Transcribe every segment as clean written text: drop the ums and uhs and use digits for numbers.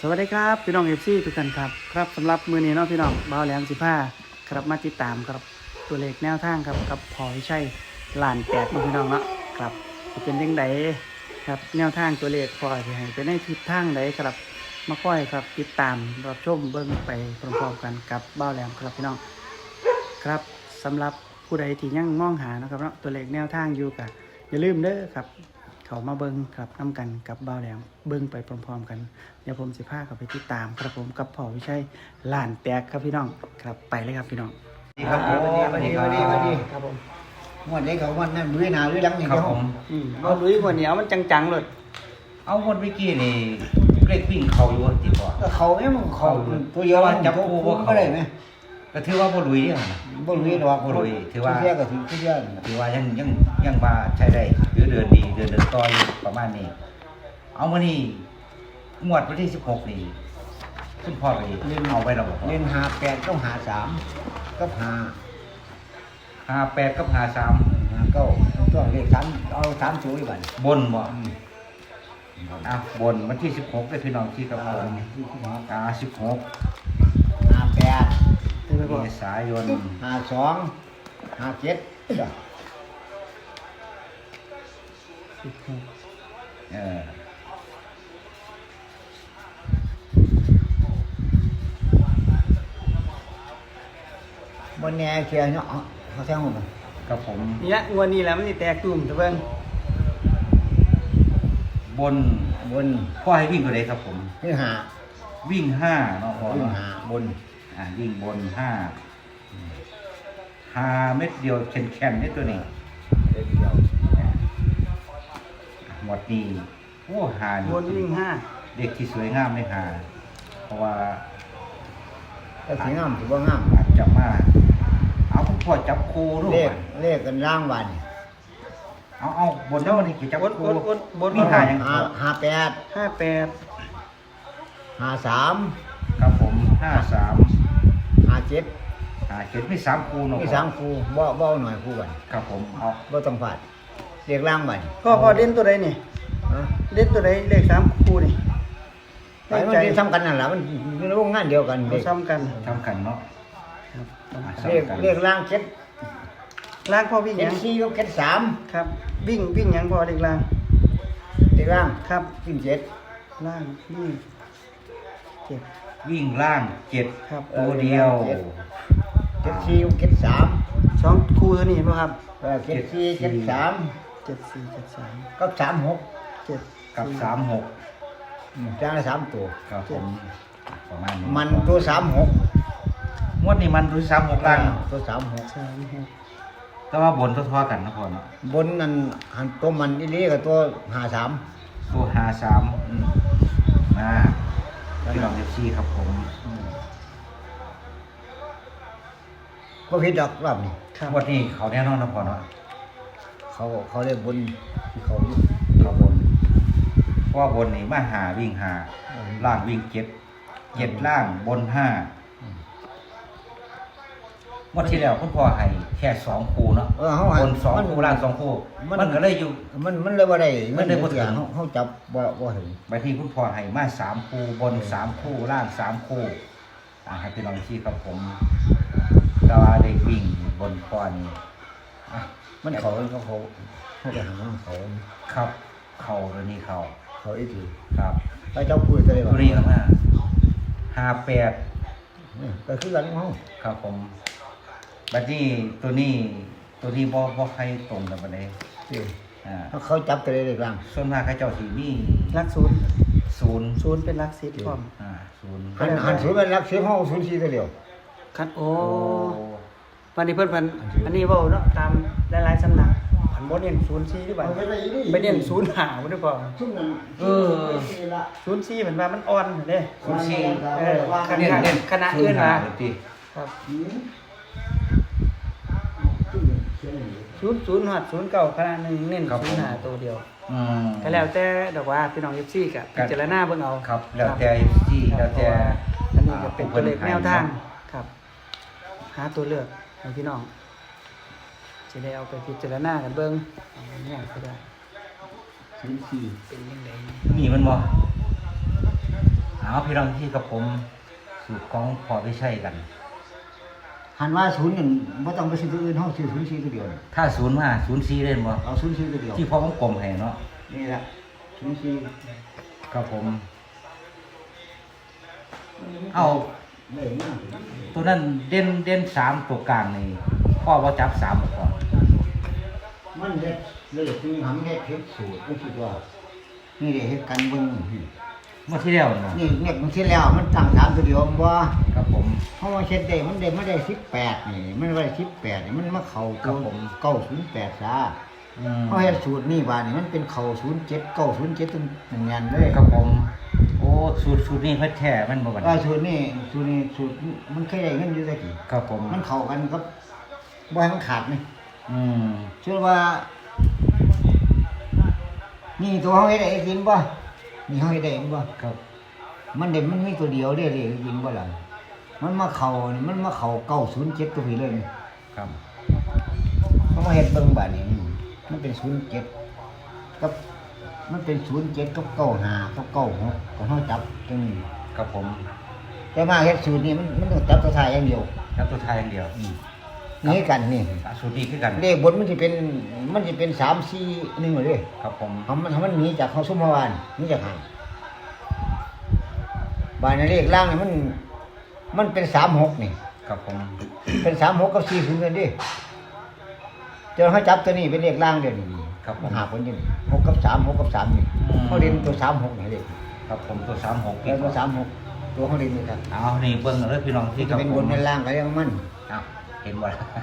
วัสดีครับพี่น้องเอฟซีทุกท่านครับสำหรับมือนี้เนาะพี่น้องบ่าวแหลม15ครับมาติดตามครับตัวเลขแนวทางครับกับพอวิชัยล้านแตกพี่น้องเนาะครับจะเป็นยังไงครับแนวทางตัวเลขพอที่ให้ไปในทิศทางใดครับมาค่อยครับติดตามรับชมเบิ่งไปพร้อมๆกันกับบ่าวแหลมครับพี่น้องครับสำหรับผู้ใดที่ยังมองหานะครับเนาะตัวเลขแนวทางอยู่กับอย่าลืมเด้อครับเขามาเบิ่งครับนำกันกับบ่าวแหลมเบิ่งไปพร้อมๆกันเดี๋ยวผมสิพาเข้าไปติดตามครับผมกับพ่อวิชัยล้านแตกครับพี่น้องครับไปเลยครับพี่น้องดีครับผมสวัสดีครับผมวันนี้เขาวันนั้นลุยหนาลุยหลังนี่ครับผมเอาลุยกว่าเหนียวมันจังๆเลยเอาคนเมื่อกี้นี่เลขวิ่งเขาอยู่ติดต่อก็เขาเนี่ยมันเขาตัวเดียวมันจับคู่ก็ได้ไหมก็ถือว่าบ่ลุยเนี่ยนะบ่ลุยดอกบ่ลุยถือว่าเที่ยก็ถือเที่ยถือว่ายังมาใช้ได้หรือเดินดีเดินต่ออยู่ประมาณนี้ เอามานี่งวดวันที่16นี่คุณพ่อไปเอาไว้แล้วบ่เล่น58ต้อง53กับ 58กับ53 59ต้องเลข3เอา3สูงอีกบัดบนบ่อ่ะบนวันที่16ได้พี่น้องที่ครับผม16 58 เต็มไปหมดเมษายน 52 57 บ่แน่เที่ยเนาะเขาแซงผมกับผมนี่ละงวดนี้แหล้วมันสิแตกตุ่มตะเบิ่งบนบนพ่อให้วิ่งตัวใดครับผมคือหาวิ่ง5เนาะพ่อคือเนาะหาบนวิ่งบน5เม็ดเดียวแข็งๆนี่ตัวนี้เดียวหมดนี้โอ้หานี่บนวิ่งเด็กที่สวยงามไม่หาเพราะว่าก็สิงามสิบ่งามอาจจะมาเอาคุณพ่อจับครูด้วเลย ขเลขกันร่างวันเอาบนแล้ววันนี้กี่จับบนครูบนวิ่งหายัง 58 58 53 ครับผม53 57 57มี3ครูเนาะมี3คู่บ่หน่อยคู่กันครับผมเอาบ่ต้องพลาดเลขร่างวันพ่อเล่นตัวใดนี่ฮะเล่นตัวใดเลข3คู่นี่ไปมันสิซ้ำกันนั่นล่ะมันอยู่ในวงงานเดียวกันเลขซ้ำกันทำกันเนาะครับเลขร่างล่างพ่อวิ่งหยัง 4กับ3 ครับวิ่งหยังพ่อเลขล่างเลขร่างครับวิ่ง7 ล่างวิ่งเก็บวิ่งล่าง7 ครับตัวเดียว 74กับ73 2คู่เท่านี้บ่ครับ 74 73 74 73 กับ36 7 กับ36 จ้างละ3ตัวครับผมประมาณนี้มันตัว36 งวดนี้มันรู้36ล่างตัว36 36 แต่ว่าบนทอๆกันนะพ่อเนาะบนนั่นหันตัวมันอีหลีกับตัว53 ตัว53มาพี่น้อง FC ครับผมก็ผิดดอกรอบนี้ครับงวดนี้เขาแน่นอนนะพ่อเนาะเขาเรียกบนเขาอยู่เขาบนเพราะว่าบนนี่มาหาวิ่งหาล่างวิ่ง7ล่างบน5งวดที่แล้วคุณพ่อให้แค่2คู่เนาะเขาบน2คู่ล่าง2คู่มันก็เลยอยู่มันเลยบ่ได้มันเลยบ่ถึงเขาจับบ่ถึงบางทีคุณพ่อให้มา3คู่บน3คู่ล่าง3คู่ให้พี่น้องที่ครับผมแต่ว่าได้วิ่งบนพ่อนี่มันเขาไปหาเขาครับเข่าตัวนี้เข่าเขาอีกทีครับไปเจ้าคุยกันเลยตัวนี้ออกมา58 ก็คือกันของเขาครับผมบัดนี้ตัวนี้บ่ใครตรงกันปานใดเขาจับกันเลยกลางส่วนมากเขาเจ้าสิมีลักศูนย์ 0 ศูนย์เป็นลักสิบพร้อม 0 หันศูนย์เป็นรัก10ห้อง04ตัวเดียวคัดโอ้วันนี้เพิ่นอันนี้เว้าเนาะตามหลายๆสำนักผันบ่เน้น04หรือเปล่าไปเน้น05บ่ได้พอซุ่มนั้น 04เหมือนว่ามันอ่อนเด้ 04 เออคเน้นณะเน้นคณะอื่นมาติครับ00ฮอด09คณะนึงเน้น05ตัวเดียวก็แล้วแต่ดอกว่าพี่น้อง FC ก็พิจารณาเบิ่งเอาครับแล้วแต่ที่แล้วแต่อันนี้ก็เป็นตัวเลขแนวทางครับ หาตัวเลือกให้พี่น้องจะได้เอาไปพิจารณากันเบิ่งเอาเนี่ยก็ได้ 04 เป็นยังไงมีมันบ่เอาพี่น้องที่กับผมสูตรของพอวิชัยกันหันว่าศูนย์หนึ่งไม่ต้องไปซื้อตัวอื่นห้องซื้อศูนย์สี่ตัวเดียวนี่ถ้าศูนย์มาศูนย์สี่เล่นบ่เอาศูนย์สี่ตัวเดียวที่พอผมกลมให้เนาะนี่แหละศูนย์สี่ครับผมเอาเลยมากตัวนั้นเด่นสามตัวกลางนี่พ่อว่าจับสามก่อนมันเด็ดเลยที่ทำเด็ดเฮ็ดสูตรก็คิดว่านี่เด็ดเฮ็ดกันเบิ่งเมื่อที่แล้วเนาะนี่เนี่ยบางทีแล้วมันตั้งสามตัวเดียวมันบ่ครับผมเพราะว่าเช็ดได้มันได้18นี่มันได้18นี่มันมาเข้าตัว908ซะเพราะเฮ็ดสูตรนี่บาดนี่มันเป็นเข้า07 907ตรงนั้นเลยครับผมโอ้สูตรนี้เพิ่นแท้มันบ่บัดสูตรมันเคยได้เงินอยู่ตะกี้ครับผมมันเข้ากันกับบ่ให้มันขาดนี่อืมเชื่อว่า นี่ตัวเฮาเฮ็ดได้จริงบ่นี่เฮาเฮ็ดได้จริงบ่ครับมันมีตัวเดียวเด้เลยจริงบ่ล่ะมันมาเข้า907ตัวนี้เลยนี่ครับเขามาเฮ็ดเบิ่งบาดนี้มันเป็น07กับมันเป็น07กับ95กับ96ก็เฮาจับตรงนี้ครับผมแต่มาเฮ็ดสูตรนี้มันต้องจับตัวท้ายอย่างเดียวครับตัวไทยอย่างเดียวนี่กันนี่สูตรนี้คือกันเลขบนมันสิเป็น3 4 1เลยครับผมทำมันหนีจากเขาซุมเมื่อวานหนีจากหางบานในเลขล่างนี่มันเป็น36นี่ครับผมเป็น36กับ40กันดิเจอเขาจับตัวนี้เป็นเลขล่างเดี๋ยวนี้ครับผมหาคนอยัง6กับ3 6กับ3นี่เขาเรียนตัว36นี่เลขครับผมตัว36 แล้วตัว36ตัวเขาเรียนนี่ครับเอานี่เบิ่งเลยพี่น้องที่จะกับเป็นผบมนเป็นล่างก็เรียกมันเอาเห็นบ่ล่ะ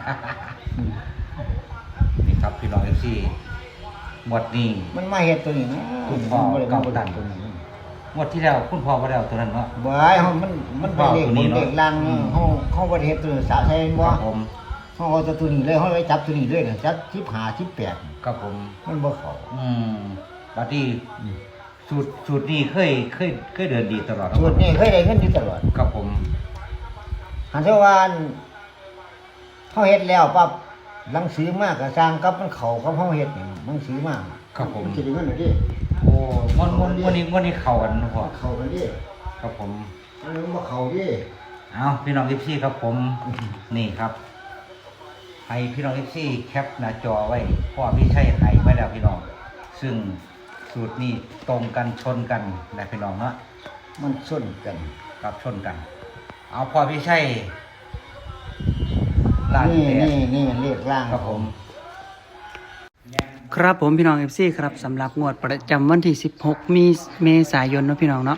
นี่ครับพี่น้อง FC หมดนี้มันมาเฮ็ดตัวนี้นะคุณพ่อมันบ่ได้เก่ามาตันตัวนี้หมดที่แล้วคุณพ่อบ่ได้เอาตัวนั้นเนาะบ่ายมันเป็นเลขบนเลขล่างเขาบ่ได้เฮ็ดตัวนี้สะใส่คบ่รับผมเขาเอาตัวนี้เลยเขาไปจับตัวนี้เลยเนี่ยจับ15 18 ครับผมมันบ่เข้าบัดนี้สูตรนี้เคยเดินดีตลอดสูตรนี้เคยได้เงินอยู่ตลอดครับผมหันเทวานเขาเฮ็ดแล้วปั๊บหนังสือมากก็สร้างกับมันเข้ากับเฮาเฮ็ดนี่หนังสือมากครับผมมันสิได้เงินดิโอ้วันนี้เข้ากันนะพ่อเข้ากันดิครับผมอันนี้มันบ่เข้าดิเอาพี่น้อง FC ครับผมนี่ครับให้พี่น้อง FC แคปหน้าจอไว้พ่อพี่ชัยให้ไว้แล้วพี่น้องซึ่งสูตรนี้ตรงกันชนกันนะพี่น้องเนาะมันส้นกันกับชนกัน เอาพ่อพี่ชัยลานนี่แตกนี่เลขล่างครับผมครับผมพี่น้อง FC ครับสำหรับงวดประจำวันที่16มีเมษายนเนาะพี่น้องเนาะ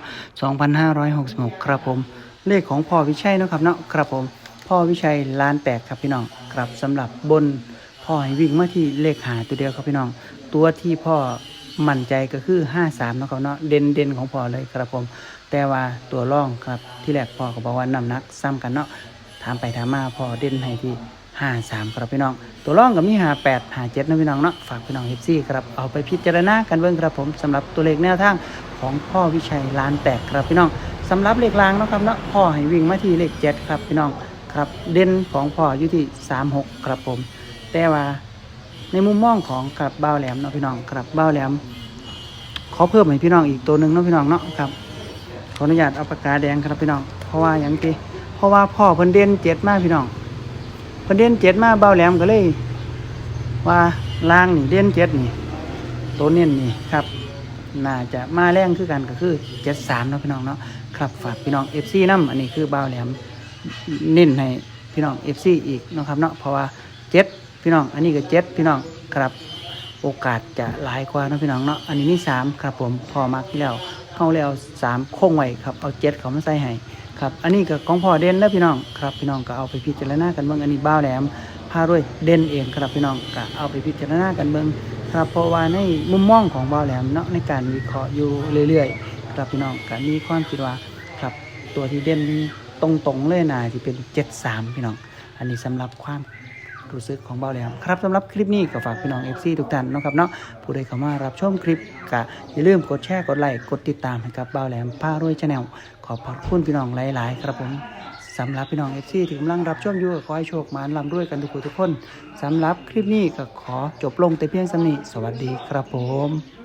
2566ครับผมเลขของพ่อวิชัยเนาะครับเนาะครับผมพ่อวิชัยล้านแตกครับพี่น้องครับสำหรับบนพ่อให้วิ่งมาที่เลขหาตัวเดียวครับพี่น้องตัวที่พ่อมั่นใจก็คือ53เนาะครับเนาะเด่นของพ่อเลยครับผมแต่ว่าตัวร่องครับที่แรกพ่อก็บอกว่าน้ำหนักซ้ำกันเนาะถามไปถามมาพ่อเด่นให้ที่53ครับพี่น้องตัวร่องกับมี58 57นะพี่น้องเนาะฝากพี่น้อง FC ครับเอาไปพิจารณากันเบิ่งครับผมสำหรับตัวเลขแนวทางของพ่อวิชัยล้านแตกครับพี่น้องสำหรับเลขรางเนาะครับเนาะพ่อให้วิ่งมาที่เลข7ครับพี่น้องครับเด่นของพ่ออยู่ที่36ครับผมแต่ว่าในมุมมองของกับบ้าวแหลมเนาะพี่น้องครับบ้าวแหลมขอเพิ่มให้พี่น้องอีกตัวหนึ่งเนาะพี่น้องเนาะครับขออนุญาตเอาปากกาแดงครับพี่น้องเพราะว่าอย่างที่เพราะว่าพ่อเพิ่นเด่น7มากพี่น้องเพิ่นเด่น7มาบ้าวแหลมก็เลยว่าล่างนี่เด่น7นี่ตัวเน้นนี่ครับน่าจะมาแรงคือกันก็คือ73เนาะพี่น้องเนาะครับฝากพี่น้อง FC นำอันนี้คือบ้าวแหลมเน้นให้พี่น้อง FC อีกเนาะครับเนาะเพราะว่า7พี่น้องอันนี้ก็7พี่น้องครับโอกาสจะหลายกว่าเนาะพี่น้องเนาะอันนี้นี่3ครับผมพอมักแล้วเข้าแล้ว3คงไว้ครับเอา7เขามาใส่ให้ครับอันนี้ก็ของพ่อเด่นแล้วพี่น้องครับพี่น้องก็เอาไปพิจารณากันเบิ่งอันนี้บ้าวแหลมพาด้วยเด่นเองครับพี่น้องก็เอาไปพิจารณากันเบิ่งครับเพราะว่าในมุมมองของบ้าวแหลมเนาะในการวิเคราะห์อยู่เรื่อยๆครับพี่น้องก็มีความคิดว่าครับตัวที่เด่นตรงๆเลยน่าจะเป็น73พี่น้องอันนี้สำหรับความรู้สึกของบ้าวแหลมครับสำหรับคลิปนี้ก็ฝากพี่น้อง FC ทุกท่านเนาะครับเนาะผู้ใดเข้ามารับชมคลิปก็อย่าลืมกดแชร์กดไลค์กดติดตามให้กับบ้าวแหลมพารวย Channel ขอบคุณพี่น้องหลายๆครับผมสำหรับพี่น้อง FC ที่กำลังรับชมอยู่ก็ขอให้โชคมาร่ำรวยกันทุกคนสำหรับคลิปนี้ก็ขอจบลงแต่เพียงเท่านี้สวัสดีครับผม